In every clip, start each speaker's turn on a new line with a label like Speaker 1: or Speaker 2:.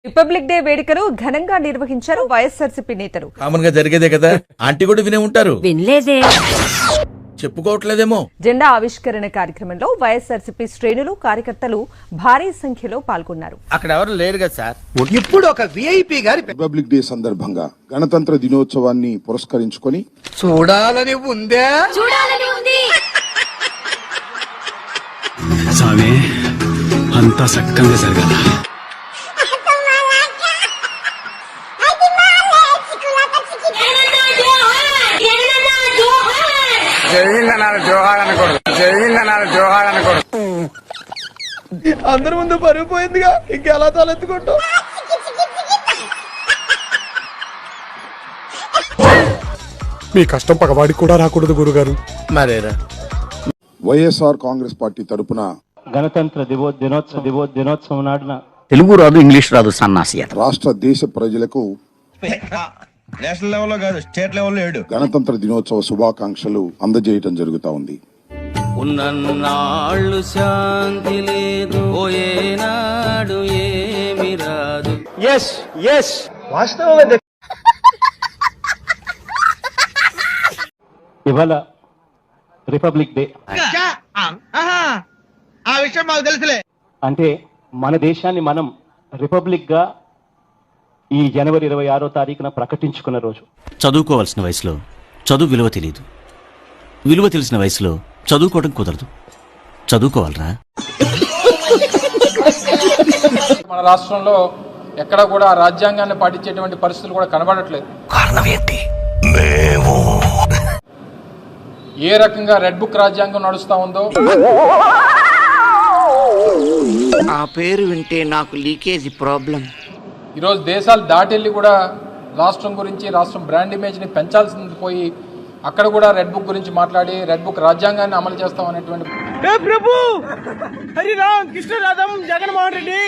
Speaker 1: Republic day వేడుకలు ఘనంగా నిర్వహించారు వైఎస్ఆర్సీపీ నేతలు.
Speaker 2: కామన్ గా జరిగేదే కదా, ఆంటీ కూడా వినే ఉంటారు.
Speaker 3: వినలేదే,
Speaker 2: చెప్పుకోవట్లేదేమో.
Speaker 1: జెండా ఆవిష్కరణ కార్యక్రమంలో వైఎస్ఆర్సీపీ శ్రేణులు, కార్యకర్తలు భారీ సంఖ్యలో పాల్గొన్నారు.
Speaker 4: అక్కడ ఎవరు లేరు కదా సార్.
Speaker 5: ఇప్పుడు ఒక విఐపి గారి
Speaker 6: రిపబ్లిక్ డే సందర్భంగా గణతంత్ర దినోత్సవాన్ని పురస్కరించుకొని
Speaker 5: చూడాలని ఉందే
Speaker 7: స్వామి అంతా సక్కంగా జరగాల.
Speaker 5: అందరి ముందు పరుగు పోయిందిగా, ఇంకెలా తలెత్తుకుంటాం.
Speaker 8: మీ కష్టం పగవాడికి కూడా రాకూడదు గురుగారు.
Speaker 4: మరేరా
Speaker 6: వైఎస్ఆర్ కాంగ్రెస్ పార్టీ తరపున
Speaker 9: గణతంత్ర దినోత్సవం నాడున
Speaker 4: తెలుగు రాదు, ఇంగ్లీష్ రాదు, సన్నాసి
Speaker 6: రాష్ట్ర దేశ ప్రజలకు
Speaker 2: నేషనల్ లెవెల్లో కాదు, స్టేట్ లెవెల్లో ఏడు
Speaker 6: గణతంత్ర దినోత్సవ శుభాకాంక్షలు అందజేయటం జరుగుతా ఉంది.
Speaker 4: ఉన్నన్నాళ్ళు శాంతి లేదు, పోయేనాడు ఏమి రాదు.
Speaker 9: ఇవాళ రిపబ్లిక్ డే.
Speaker 5: ఆ విషయం మాకు తెలుసులే.
Speaker 9: అంటే మన దేశాన్ని మనం రిపబ్లిక్ గా ఈ జనవరి 26వ తారీఖున ప్రకటించుకున్న రోజు.
Speaker 10: చదువుకోవాల్సిన వయసులో చదువు విలువ తెలియదు, విలువ తెలిసిన వయసులో చదువుకోవడం కుదరదు. చదువుకోవాలరా.
Speaker 11: మన రాష్ట్రంలో ఎక్కడ కూడా రాజ్యాంగాన్ని పాటించేటువంటి పరిస్థితులు కూడా కనబడట్లేదు.
Speaker 10: కారణం ఏంటి?
Speaker 11: ఏ రకంగా రెడ్ బుక్ రాజ్యాంగం నడుస్తా ఉందో.
Speaker 4: ఆ పేరు వింటే నాకు లీకేజీ ప్రాబ్లం.
Speaker 11: ఈరోజు దేశాలు దాటెళ్ళి కూడా రాష్ట్రం గురించి, రాష్ట్రం బ్రాండ్ ఇమేజ్ని పెంచాల్సింది పోయి అక్కడ కూడా రెడ్ బుక్ గురించి మాట్లాడి రెడ్ బుక్ రాజ్యాంగాన్ని అమలు చేస్తాం అనేటువంటి.
Speaker 5: ప్రభు హరిరామ్ కృష్ణరాధం జగన్మోహన్ రెడ్డి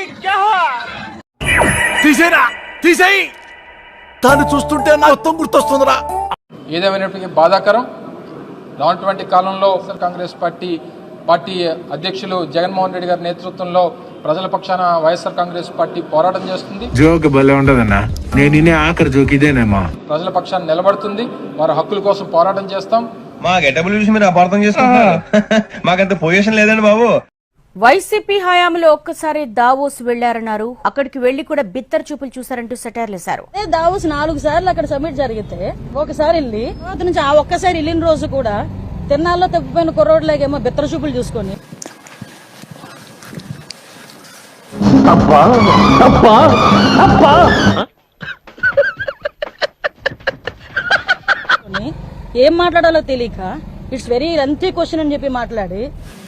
Speaker 2: తీసేయి, తాను చూస్తుంటే నా మొత్తం గుర్తొస్తుందిరా.
Speaker 11: ఏదేమైనప్పటికీ బాధాకరం. రానటువంటి కాలంలో కాంగ్రెస్ పార్టీ అధ్యక్షులు జగన్మోహన్ రెడ్డి గారి నేతృత్వంలో ప్రజల పక్షాన వైఎస్ఆర్ కాంగ్రెస్ పార్టీ పోరాటం చేస్తుంది.
Speaker 7: జోక్ భలే ఉండదన్నా, నేను ఆఖరి జోక్ ఇదేనేమా.
Speaker 11: ప్రజల పక్షాన నిలబడుతుంది. వారి హక్కుల కోసం పోరాటం చేస్తాం.
Speaker 2: మా గెటబుల్ చూసి మీరు అపార్థం చేసుకుంటున్నారు. మాకంత పొజిషన్ లేదండి బాబు.
Speaker 3: వైసీపీ హయాంలో ఒక్కసారి దావోస్ వెళ్లారన్నారు. అక్కడికి వెళ్లి కూడా బిత్తర చూపులు చూశారంటూ సెటైర్లేశారు.
Speaker 12: దావోస్ 4 సార్లు అక్కడ సబ్మిట్ జరిగితే ఒకసారి వెళ్ళి తర్వాత నుంచి ఆ ఒక్కసారి వెళ్ళిన రోజు కూడా తిన్నాల్లో తప్పిపోయిన కుర్రోడ్లాగేమో బిత్తర చూపులు చూసుకొని ఏం మాట్లాడాలో తెలియక ఇట్స్ వెరీ లెంతీ క్వశ్చన్ అని చెప్పి మాట్లాడి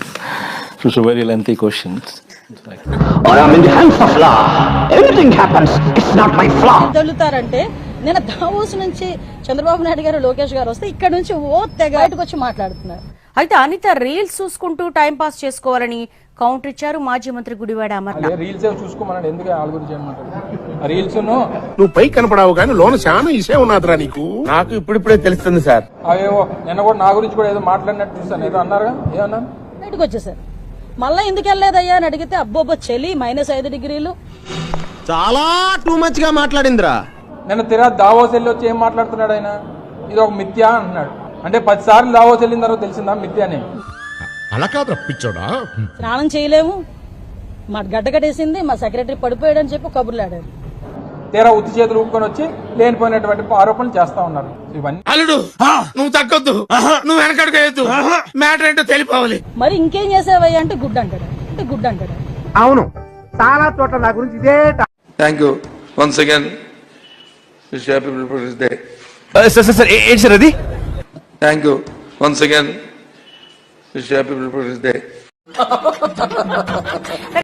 Speaker 12: తగులుతారంటే నేను దావోస్ నుంచి చంద్రబాబు నాయుడు గారు, లోకేష్ గారు వస్తే ఇక్కడ నుంచి తెగ బయటకు వచ్చి మాట్లాడుతున్నారు.
Speaker 3: అయితే అనిత రీల్స్ చూసుకుంటూ టైం పాస్ చేసుకోవాలని కౌంటర్ ఇచ్చారు మాజీ మంత్రి గుడివాడ అమర్నాథ్.
Speaker 11: రీల్స్ చూసుకోమన్నాడు, ఎందుకు వాళ్ళ గురించి ఏమంటారు? రీల్స్
Speaker 8: నువ్వు పై కనపడావు కానీ లోన చాలా ఇసే ఉన్నదిరా నీకు.
Speaker 4: నాకు ఇప్పుడిప్పుడే తెలుస్తుంది సార్.
Speaker 11: అవేవో నిన్న కూడా నా గురించి కూడా ఏదో మాట్లాడినట్టు చూసాను. ఏదో అన్నారుగా, ఏమన్నాను?
Speaker 12: బయటకు వచ్చేసారు. మళ్ళా ఎందుకు వెళ్ళలేదయ్యా అని అడిగితే అబ్బోబ్బో చలి -5 డిగ్రీలు.
Speaker 5: చాలా టూ మచ్ గా మాట్లాడిందిరా.
Speaker 11: నిన్న దావోస్ వెళ్ళి వచ్చి ఏం మాట్లాడుతున్నాడు ఆయన? ఇది ఒక మిథ్య అంటున్నాడు. అంటే 10 సార్లు దావోస్ వెళ్ళిన తర్వాత తెలిసిందా మిథ్య అని?
Speaker 8: అలా కాదు రప్పించోడా.
Speaker 12: స్నానం చేయలేము, మా గడ్డ కట్టేసింది, మా సెక్రటరీ పడిపోయాడని చెప్పి కబుర్లు ఆడాడు.
Speaker 11: తీరా ఉత్తి చేతులు ఊపుకొని వచ్చి లేనిపోయినటువంటి ఆరోపణలు చేస్తా ఉన్నారు. ఇవన్నీ
Speaker 5: అల్లుడు నువ్వు తగ్గొద్దు, నువ్వు వెనకడుగు, మ్యాటర్ ఏంటో తెలిపోవాలి.
Speaker 12: మరి ఇంకేం చేసావయ్యా అంటే గుడ్ అంటాడు,
Speaker 5: అవును, చాలా చోట్ల నా గురించి ఇదే.
Speaker 7: Thank you once again. Wish happy Republic Day.
Speaker 2: ఏంటి సార్ అది?
Speaker 7: Thank you once again. Wish happy Republic day.